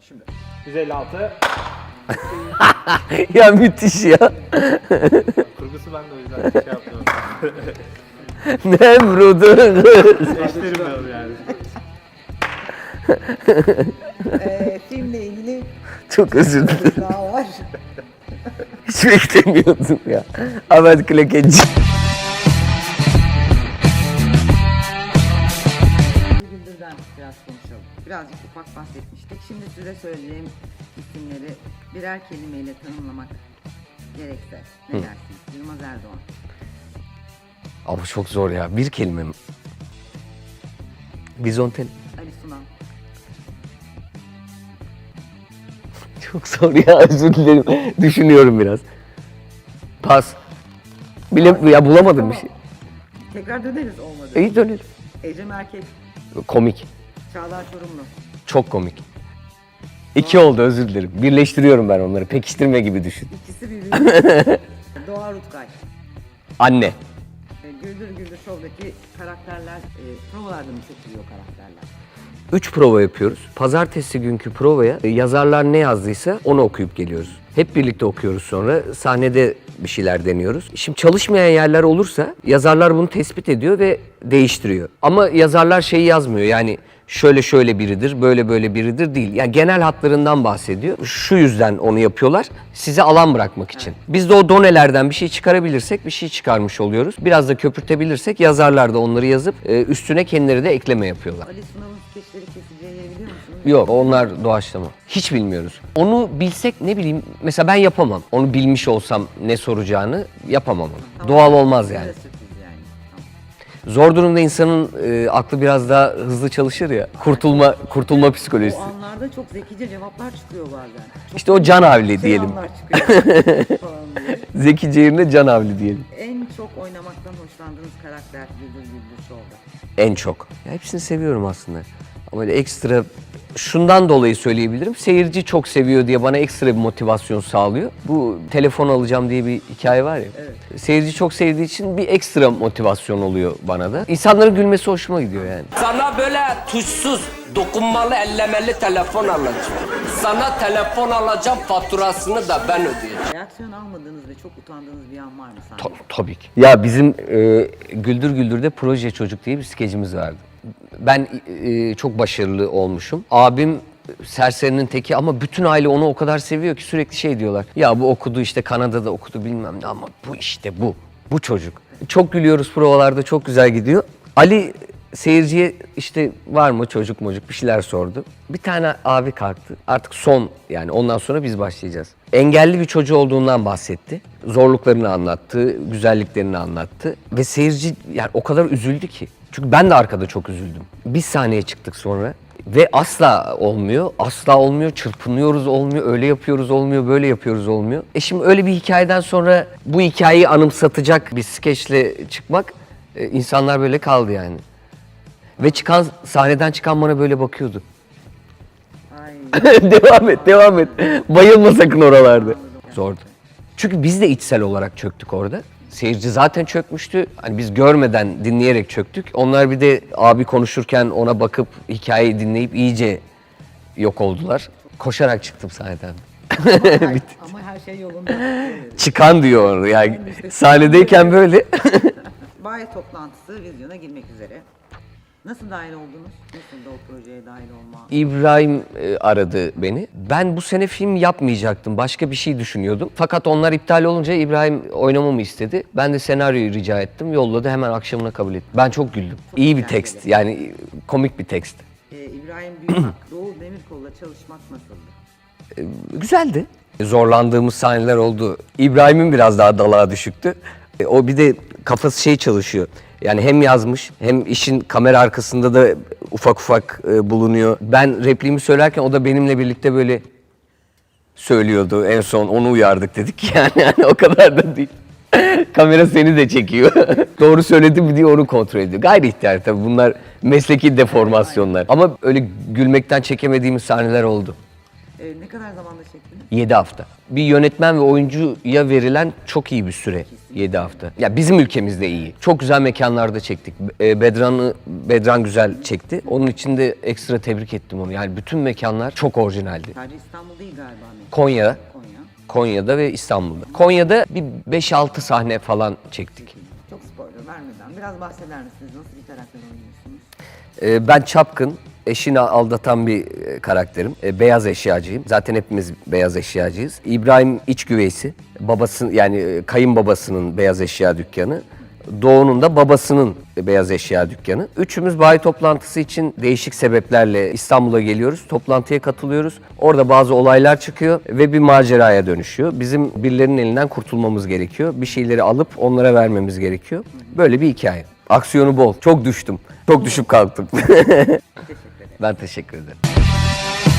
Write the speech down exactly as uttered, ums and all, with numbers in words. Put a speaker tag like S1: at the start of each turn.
S1: Şimdi yüz elli altı.
S2: Ya müthiş ya.
S1: Kurgusu ben de o yüzden şey yapıyorum.
S2: Nemrud'un
S1: Eşlerim yani.
S3: Ee, filmle ilgili
S2: Çok özür dilerim.
S3: daha var.
S2: Hiç beklemiyordum ya. Ahmet Klekeci.
S3: Güldür'den biraz konuşalım. Birazcık ufak bahsetmiştik. Şimdi size söyleyeceğim isimleri birer kelimeyle tanımlamak gerekse ne dersiniz? Yılmaz Erdoğan,
S2: Ama çok zor ya. Bir kelime mi? Bizonten.
S3: Ali Sunal,
S2: Çok zor ya, özür dilerim. Düşünüyorum biraz. Pas. Bile ya bulamadım bir şey.
S3: tekrar döneriz olmadı.
S2: İyi dönelim.
S3: Ecem Erkek,
S2: Komik.
S3: Çağlar Çorumlu,
S2: Çok komik. İki oldu, özür dilerim. Birleştiriyorum ben onları. Pekiştirme gibi düşün.
S3: ikisi birbirine. Doğa Rutkay.
S2: Anne.
S3: E, Güldür Güldür Show'daki karakterler, e, provalarda mı seçiliyor karakterler?
S2: Üç prova yapıyoruz. Pazartesi günkü provaya e, yazarlar ne yazdıysa onu okuyup geliyoruz. Hep birlikte okuyoruz sonra. Sahnede bir şeyler deniyoruz. Şimdi çalışmayan yerler olursa yazarlar bunu tespit ediyor ve değiştiriyor. Ama yazarlar şeyi yazmıyor, yani şöyle şöyle biridir, böyle böyle biridir değil. Yani genel hatlarından bahsediyor. Şu yüzden onu yapıyorlar, size alan bırakmak için. Biz de o donelerden bir şey çıkarabilirsek bir şey çıkarmış oluyoruz. Biraz da köpürtebilirsek yazarlar da onları yazıp e, üstüne kendileri de ekleme yapıyorlar.
S3: Ali Sunal'ın skeçleri keseceğini biliyor musunuz?
S2: Yok, onlar doğaçlama. Hiç bilmiyoruz. Onu bilsek ne bileyim, mesela ben yapamam. Onu bilmiş olsam ne soracağını yapamam onu.
S3: Tamam.
S2: Doğal olmaz yani.
S3: Size sürpriz yani. Tamam.
S2: Zor durumda insanın e, aklı biraz daha hızlı çalışır ya. Kurtulma kurtulma
S3: O
S2: psikolojisi.
S3: anlarda çok zekice cevaplar çıkıyor bazen. Çok
S2: İşte o can havli diyelim.
S3: selamlar çıkıyor falan diye.
S2: Zekice yerine can havli diyelim.
S3: En çok oynamaktan hoşlandığınız karakter Güldür Güldür Show'da.
S2: En çok. Ya hepsini seviyorum aslında. Ama öyle ekstra şundan dolayı söyleyebilirim. Seyirci çok seviyor diye bana ekstra bir motivasyon sağlıyor. Bu telefon alacağım diye bir hikaye var ya.
S3: Evet.
S2: Seyirci çok sevdiği için bir ekstra motivasyon oluyor bana da. İnsanların gülmesi hoşuma gidiyor yani.
S4: Sana böyle tuşsuz, dokunmalı, ellemeli telefon alacağım. Sana telefon alacağım, faturasını da ben ödeyeceğim.
S3: Reaksiyon almadığınız ve çok utandığınız bir an var mı
S2: Ta-
S3: sahne?
S2: tabii ki. Ya bizim e, Güldür Güldür'de Proje Çocuk diye bir skecimiz vardı. Ben e, çok başarılı olmuşum. Abim serserinin teki ama bütün aile onu o kadar seviyor ki sürekli şey diyorlar. Ya bu okudu işte, Kanada'da okudu bilmem ne, ama bu işte bu. Bu çocuk. Çok gülüyoruz provalarda, çok güzel gidiyor. Ali seyirciye işte var mı çocuk mocuk bir şeyler sordu. Bir tane abi kalktı. Artık son, yani ondan sonra biz başlayacağız. Engelli bir çocuğu olduğundan bahsetti. Zorluklarını anlattı, güzelliklerini anlattı. Ve seyirci yani o kadar üzüldü ki. Çünkü ben de arkada çok üzüldüm. Biz sahneye çıktık sonra ve asla olmuyor, asla olmuyor, çırpınıyoruz olmuyor, öyle yapıyoruz olmuyor, böyle yapıyoruz olmuyor. E şimdi öyle bir hikayeden sonra bu hikayeyi anımsatacak bir skeçle çıkmak, e, insanlar böyle kaldı yani. Ve çıkan, sahneden çıkan bana böyle bakıyordu.
S3: Ay.
S2: Devam et, devam et. Bayılma sakın oralarda. Zordu. Çünkü biz de içsel olarak çöktük orada. Seyirci zaten çökmüştü. Hani biz görmeden, dinleyerek çöktük. Onlar bir de abi konuşurken ona bakıp hikayeyi dinleyip iyice yok oldular. Koşarak çıktım sahneden.
S3: Ay, ama her şey yolunda. Evet.
S2: Çıkan diyor yani sahnedeyken böyle.
S3: Bayi toplantısı vizyona girmek üzere. Nasıl dahil oldunuz? Nasıl da o projeye dahil olma?
S2: İbrahim e, aradı beni. Ben bu sene film yapmayacaktım. Başka bir şey düşünüyordum. Fakat onlar iptal olunca İbrahim oynamamı istedi. Ben de senaryoyu rica ettim. Yolladı, hemen akşamına kabul etti. Ben çok güldüm.
S3: Çok
S2: İyi bir
S3: eğlenceli.
S2: tekst. Yani komik bir tekst.
S3: Ee, İbrahim Büyümak, Doğu Demirkol'la çalışmak nasıldı?
S2: Güzeldi. Zorlandığımız sahneler oldu. İbrahim'in biraz daha dalağa düşüktü. E, O bir de kafası şey çalışıyor. Yani hem yazmış hem işin kamera arkasında da ufak ufak e, bulunuyor. Ben repliğimi söylerken o da benimle birlikte böyle söylüyordu. En son onu uyardık dedik yani, yani o kadar da değil. Kamera seni de çekiyor. Doğru söyledim mi diye onu kontrol ediyor. Gayri ihtiyar tabii, bunlar mesleki deformasyonlar. Ama öyle gülmekten çekemediğimiz sahneler oldu.
S3: Ee, ne kadar zamanda çektiniz?
S2: yedi hafta. Bir yönetmen ve oyuncuya verilen çok iyi bir süre. yedi hafta. Ya bizim ülkemizde iyi. Çok güzel mekanlarda çektik. E, Bedran'ı Bedran güzel çekti. Onun için de ekstra tebrik ettim onu. Yani bütün mekanlar çok orijinaldi.
S3: Sadece İstanbul değil galiba. mekan.
S2: Konya,
S3: Konya.
S2: Konya'da ve İstanbul'da. Konya'da bir beş altı sahne falan çektik.
S3: Çok spoiler vermeden biraz bahseder misiniz? Nasıl bir karakter oynuyorsunuz?
S2: E, ben çapkın, eşini aldatan bir e, karakterim. E, beyaz eşyacıyım. Zaten hepimiz beyaz eşyacıyız. İbrahim iç güveysi. Babası yani e, kayınbabasının beyaz eşya dükkanı. Doğu'nun da babasının beyaz eşya dükkanı. Üçümüz bayi toplantısı için değişik sebeplerle İstanbul'a geliyoruz. Toplantıya katılıyoruz. Orada bazı olaylar çıkıyor ve bir maceraya dönüşüyor. Bizim birilerinin elinden kurtulmamız gerekiyor. Bir şeyleri alıp onlara vermemiz gerekiyor. Böyle bir hikaye. Aksiyonu bol. Çok düştüm. Çok düşüp kalktım.
S3: Teşekkür ederim.
S2: Ben teşekkür ederim.